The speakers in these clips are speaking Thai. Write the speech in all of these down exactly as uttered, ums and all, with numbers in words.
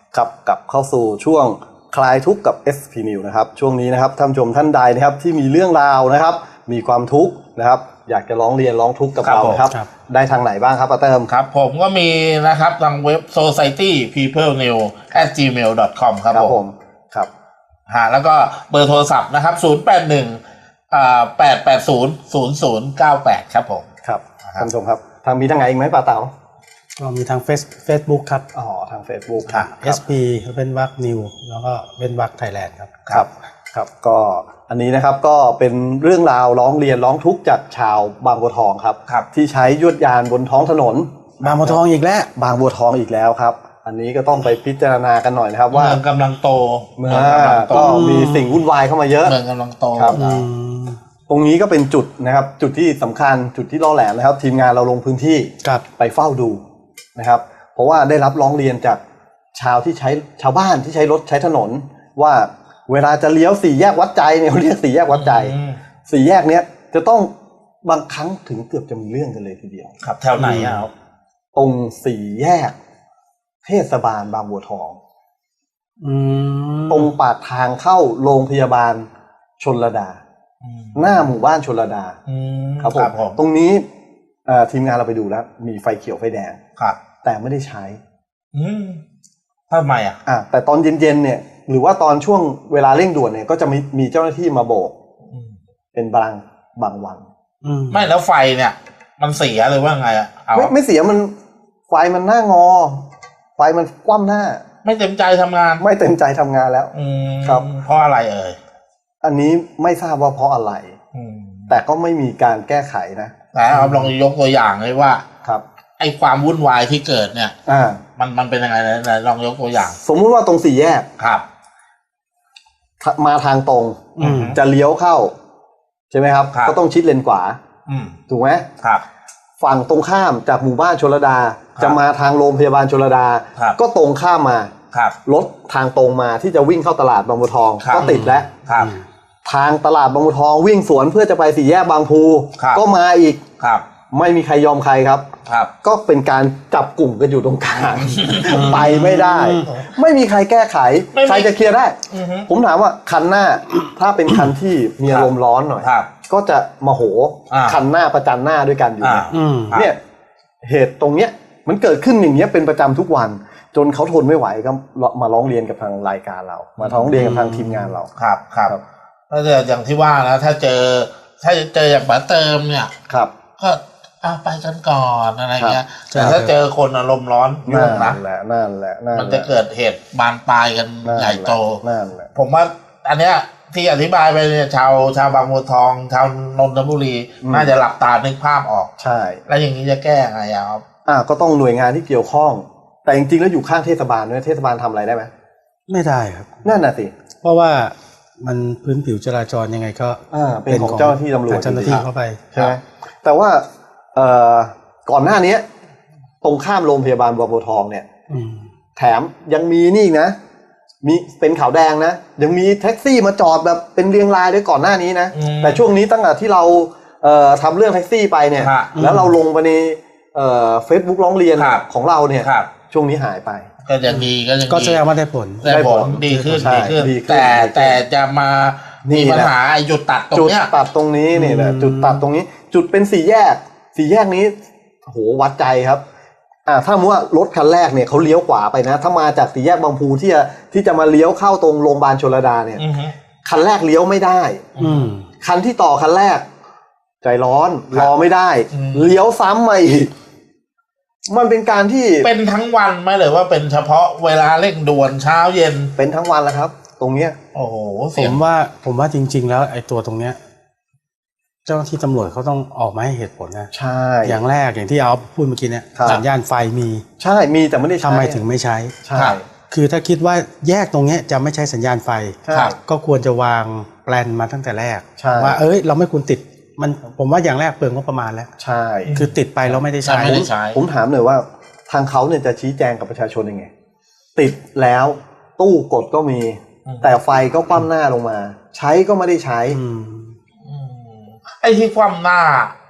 ครับกลับเข้าสู่ช่วงคลายทุกข์กับ เอส พี News นะครับช่วงนี้นะครับท่านผู้ชมท่านใดนะครับที่มีเรื่องราวนะครับมีความทุกข์นะครับอยากจะร้องเรียนร้องทุกข์กับเราครับได้ทางไหนบ้างครับป้าเติมครับผมก็มีนะครับทางเว็บ โซไซตี้พีเพิลนิวส์ แอท จีเมล ดอท คอม ครับผมครับฮะแล้วก็เบอร์โทรศัพท์นะครับศูนย์ แปด หนึ่ง อ่า แปด แปด ศูนย์ ศูนย์ ศูนย์ เก้า แปดครับผมครับท่านผู้ชมครับทางมีทางไหนอีกไหมป้าเต๋าก็มีทาง Facebook ครับอ๋อทาง Facebook ค่ะ เอส พี เว้นวรรคนิวแล้วก็เว้นวรรคไทยแลนด์ครับครับครับก็อันนี้นะครับก็เป็นเรื่องราวร้องเรียนร้องทุกข์จากชาวบางบัวทองครับที่ใช้ยวดยานบนท้องถนนบางบัวทองอีกแล้วบางบัวทองอีกแล้วครับอันนี้ก็ต้องไปพิจารณากันหน่อยนะครับว่าเมืองกำลังโตเมืองก็มีสิ่งวุ่นวายเข้ามาเยอะเมืองกำลังโตครับตรงนี้ก็เป็นจุดนะครับจุดที่สำคัญจุดที่ล่อแหลมนะครับทีมงานเราลงพื้นที่ไปเฝ้าดูนะครับเพราะว่าได้รับร้องเรียนจากชาวที่ใช้ชาวบ้านที่ใช้รถใช้ถนนว่าเวลาจะเลี้ยวสี่แยกวัดใจเนี่ยเขาเรียกสี่แยกวัดใจสี่แยกเนี้ยจะต้องบางครั้งถึงเกือบจะมีเรื่องกันเลยทีเดียวครับแถวไหนอ่ะครับตรงสี่แยกเทศบาลบางบัวทองตรงปากทางเข้าโรงพยาบาลชลดาหน้าหมู่บ้านชลดาครับผมตรงนี้ทีมงานเราไปดูแล้วมีไฟเขียวไฟแดงครับแต่ไม่ได้ใช้ทำไมอ่ะอ่ะแต่ตอนเย็นๆเนี่ยหรือว่าตอนช่วงเวลาเร่งด่วนเนี่ยก็จะมีมีเจ้าหน้าที่มาโบกเป็นบางบางวันไม่แล้วไฟเนี่ยมันเสียหรือว่าไงอ่ะไม่ไม่เสียมันไฟมันหน้างอไฟมันคว่ำหน้าไม่เต็มใจทำงานไม่เต็มใจทำงานแล้วครับเพราะอะไรเอ่ยอันนี้ไม่ทราบว่าเพราะอะไรแต่ก็ไม่มีการแก้ไขนะแต่เอาลองยกตัวอย่างเลยว่าครับไอ้ความวุ่นวายที่เกิดเนี่ยอ่ามันมันเป็นยังไงนะลองยกตัวอย่างสมมุติว่าตรงสี่แยกครับมาทางตรงจะเลี้ยวเข้าใช่ไหมครับก็ต้องชิดเลนขวาถูกไหมครับฝั่งตรงข้ามจากหมู่บ้านชลดาจะมาทางโรงพยาบาลชลดาก็ตรงข้ามมารถทางตรงมาที่จะวิ่งเข้าตลาดบางบัวทองก็ติดแล้วทางตลาดบางบัวทองวิ่งสวนเพื่อจะไปสี่แยกบางพูก็มาอีกไม่มีใครยอมใครครับก็เป็นการจับกลุ่มกันอยู่ตรงกลางไปไม่ได้ไม่มีใครแก้ไขใครจะเคลียร์ได้ผมถามว่าคันหน้าถ้าเป็นคันที่มีอารมณ์ร้อนหน่อยก็จะโมโหคันหน้าประจันหน้าด้วยกันอยู่เนี่ยเหตุตรงเนี้ยมันเกิดขึ้นอย่างเงี้ยเป็นประจำทุกวันจนเขาทนไม่ไหวก็มาร้องเรียนกับทางรายการเรามาร้องเรียนกับทางทีมงานเราครับครับถ้าเจออย่างที่ว่านะถ้าเจอถ้าเจออย่างป๋าเติมเนี่ยครับก็เอาไปกันก่อนอะไรเงี้ยแต่ถ้าเจอคนอารมณ์ร้อนยุ่งนะนั่นแหละนั่นแหละมันจะเกิดเหตุบานปลายกันใหญ่โตนั่นแหละผมว่าอันเนี้ยที่อธิบายไปเนี่ยชาวชาวบางบัวทองชาวนนทบุรีน่าจะหลับตานึกภาพออกใช่แล้วอย่างนี้จะแก้ไงครับอ่าก็ต้องหน่วยงานที่เกี่ยวข้องแต่จริงๆแล้วอยู่ข้างเทศบาลด้วยเทศบาลทำอะไรได้ไหมไม่ได้ครับนั่นน่ะสิเพราะว่ามันพื้นผิวจราจรยังไงก็เป็นของเจ้าหน้าที่ตำรวจเจ้าหน้าที่เข้าไปใช่ไหมแต่ว่าเอ่อก่อนหน้านี้ตรงข้ามโรงพยาบาลบางบัวทองเนี่ยแถมยังมีนี่นะมีเป็นขาวแดงนะยังมีแท็กซี่มาจอดแบบเป็นเรียงรายด้วยก่อนหน้านี้นะแต่ช่วงนี้ตั้งแต่ที่เราเอ่อทำเรื่องแท็กซี่ไปเนี่ยแล้วเราลงไปในเอ่อ Facebook ร้องเรียนของเราเนี่ยช่วงนี้หายไปก็ยังดีก็ยังดีก็แสดงว่าได้ผลได้ผลดีขึ้นดีขึ้นแต่แต่จะมามีปัญหาจุดตัดตรงเนี้ยจุดตัดตรงนี้นี่แหละจุดตัดตรงนี้จุดเป็นสี่แยกสี่แยกนี้โหวัดใจครับอ่าถ้าสมมติว่ารถคันแรกเนี่ยเขาเลี้ยวขวาไปนะถ้ามาจากสี่แยกบางพูที่จะที่จะมาเลี้ยวเข้าตรงโรงพยาบาลชลดาเนี่ยคันแรกเลี้ยวไม่ได้คันที่ต่อคันแรกใจร้อนรอไม่ได้เลี้ยวซ้ำมาอีกมันเป็นการที่เป็นทั้งวันไหมหรือว่าเป็นเฉพาะเวลาเร่งด่วนเช้าเย็นเป็นทั้งวันแล้วครับตรงเนี้ยโอ้โหผมว่าผมว่าจริงๆแล้วไอ้ตัวตรงเนี้ยเจ้าหน้าที่ตำรวจเขาต้องออกมาให้เหตุผลนะใช่อย่างแรกอย่างที่เอาพูดเมื่อกี้เนี่ยสัญญาณไฟมีใช่มีแต่ไม่ได้ใช้ทำไมถึงไม่ใช้ใช่คือถ้าคิดว่าแยกตรงเนี้ยจะไม่ใช้สัญญาณไฟก็ควรจะวางแปลนมาตั้งแต่แรกว่าเอ้ยเราไม่ควรติดมันผมว่าอย่างแรกเปลืองงบประมาณแล้วใช่คือติดไปแล้วไม่ได้ใช้ผมถามหน่อยว่าทางเขาเนี่ยจะชี้แจงกับประชาชนยังไงติดแล้วตู้กดก็มีแต่ไฟก็คว่ำหน้าลงมาใช้ก็ไม่ได้ใช้ไอ้ที่คว่ำหน้า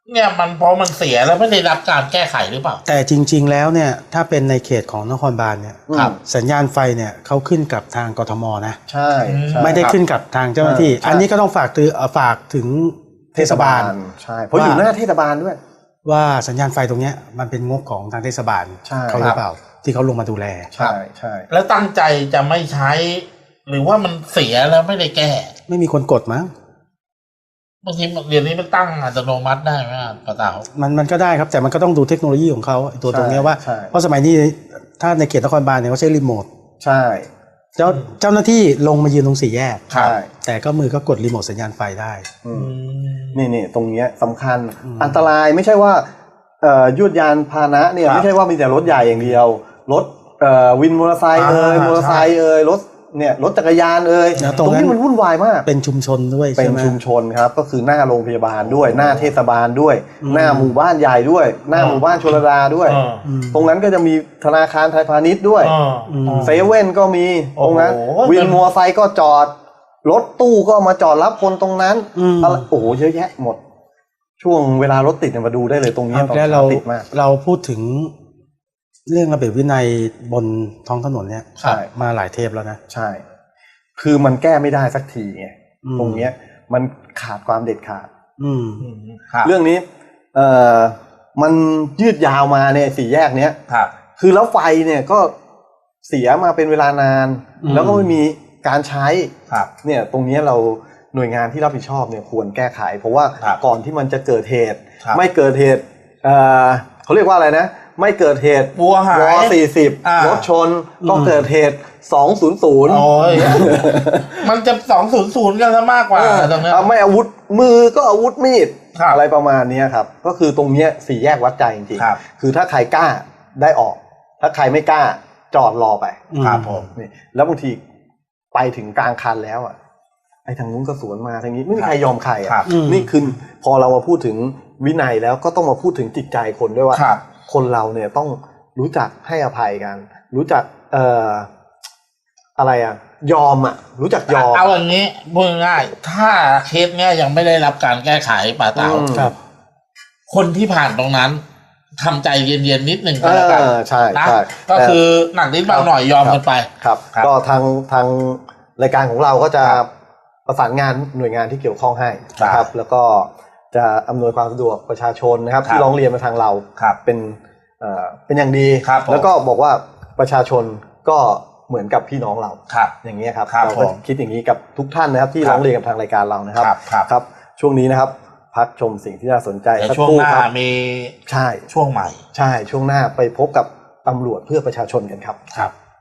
เนี่ยมันเพราะมันเสียแล้วไม่ได้รับการแก้ไขหรือเปล่าแต่จริงๆแล้วเนี่ยถ้าเป็นในเขตของนครบาลเนี่ยครับสัญญาณไฟเนี่ยเขาขึ้นกับทางกทมนะใช่ใช่ไม่ได้ขึ้นกับทางเจ้าหน้าที่ อันนี้ก็ต้องฝากตือฝากถึงเทศบาลใช่เพราะอยู่หน้าเทศบาลด้วยว่าสัญญาณไฟตรงเนี้ยมันเป็นงบของทางเทศบาลเขาหรือเปล่าที่เขาลงมาดูแลใช่ใช่แล้วตั้งใจจะไม่ใช้หรือว่ามันเสียแล้วไม่ได้แก้ไม่มีคนกดมั้งบางทีเดี๋ยวนี้มันตั้งอัตโนมัติได้ไหมป้าเต๋ามันมันก็ได้ครับแต่มันก็ต้องดูเทคโนโลยีของเขาตัวตรงนี้ว่าเพราะสมัยนี้ถ้าในเขตนครบาลเนี่ยเขาใช้รีโมทใช่เจ้าเจ้าหน้าที่ลงมายืนตรงสี่แยกใช่แต่ก็มือก็กดรีโมทสัญญาณไฟได้นี่นี่ตรงเนี้ยสำคัญอันตรายไม่ใช่ว่าเอ่อยวดยานพาหนะเนี่ยไม่ใช่ว่ามีแต่รถใหญ่อย่างเดียวรถเอ่อวินมอเตอร์ไซค์เอ่ยมอเตอร์ไซค์เอ่ยรถเนี่ยรถจักรยานเอ่ยตรงนี้มันวุ่นวายมากเป็นชุมชนด้วยเป็นชุมชนครับก็คือหน้าโรงพยาบาลด้วยหน้าเทศบาลด้วยหน้าหมู่บ้านใหญ่ด้วยหน้าหมู่บ้านชลดาด้วยตรงนั้นก็จะมีธนาคารไทยพาณิชย์ด้วยเซเว่นก็มีตรงนั้นวินมอเตอร์ไซค์ก็จอดรถตู้ก็มาจอดรับคนตรงนั้นโอ้โหเยอะแยะหมดช่วงเวลารถติดเนี่ยมาดูได้เลยตรงนี้ตอนเราติดมากเราพูดถึงเรื่องระเบียบวินัยบนท้องถนนเนี่ยมาหลายเทปแล้วนะใช่คือมันแก้ไม่ได้สักทีไงตรงเนี้ยมันขาดความเด็ดขาดเรื่องนี้เอ่อมันยืดยาวมาเนี่ยสี่แยกเนี้ยคือแล้วไฟเนี่ยก็เสียมาเป็นเวลานานแล้วก็ไม่มีการใช้เนี่ยตรงนี้เราหน่วยงานที่รับผิดชอบเนี่ยควรแก้ไขเพราะว่าก่อนที่มันจะเกิดเหตุไม่เกิดเหตุเอ่อเขาเรียกว่าอะไรนะไม่เกิดเหตุวัวหายวอสี่สิบรถชนก็เกิดเหตุสองศูนย์ศูนย์โอ้ยมันจะสองศูนย์ศูนย์กันซะมากกว่าตรงนี้ไม่อาวุธมือก็อาวุธมีดอะไรประมาณนี้ครับก็คือตรงนี้สี่แยกวัดใจจริงๆคือถ้าใครกล้าได้ออกถ้าใครไม่กล้าจอดรอไปครับผมนี่แล้วบางทีไปถึงกลางคันแล้วอ่ะไอ้ทางนู้นก็สวนมาทางนี้ไม่มีใครยอมใครอ่ะนี่คือพอเรามาพูดถึงวินัยแล้วก็ต้องมาพูดถึงจิตใจคนด้วยว่าคนเราเนี่ยต้องรู้จักให้อภัยกันรู้จักเอ่ออะไรอ่ะยอมอ่ะรู้จักยอมเอาอย่างนี้พูดง่ายถ้าเคสเนี้ยยังไม่ได้รับการแก้ไขป่าเต๋าครับคนที่ผ่านตรงนั้นทำใจเย็นๆนิดหนึ่งก็แล้วกันใช่ใช่ก็คือหนักนิดเบาหน่อยยอมกันไปครับก็ทางทางรายการของเราก็จะประสานงานหน่วยงานที่เกี่ยวข้องให้นะครับแล้วก็จะอำนวยความสะดวกประชาชนนะครับที่ร้องเรียนมาทางเราเป็นเอ่อเป็นอย่างดีแล้วก็บอกว่าประชาชนก็เหมือนกับพี่น้องเราอย่างนี้ครับเราก็คิดอย่างนี้กับทุกท่านนะครับที่ร้องเรียนกับทางรายการเรานะครับครับช่วงนี้นะครับพักชมสิ่งที่น่าสนใจช่วงหน้ามีใช่ช่วงใหม่ใช่ช่วงหน้าไปพบกับตำรวจเพื่อประชาชนกันครับครับ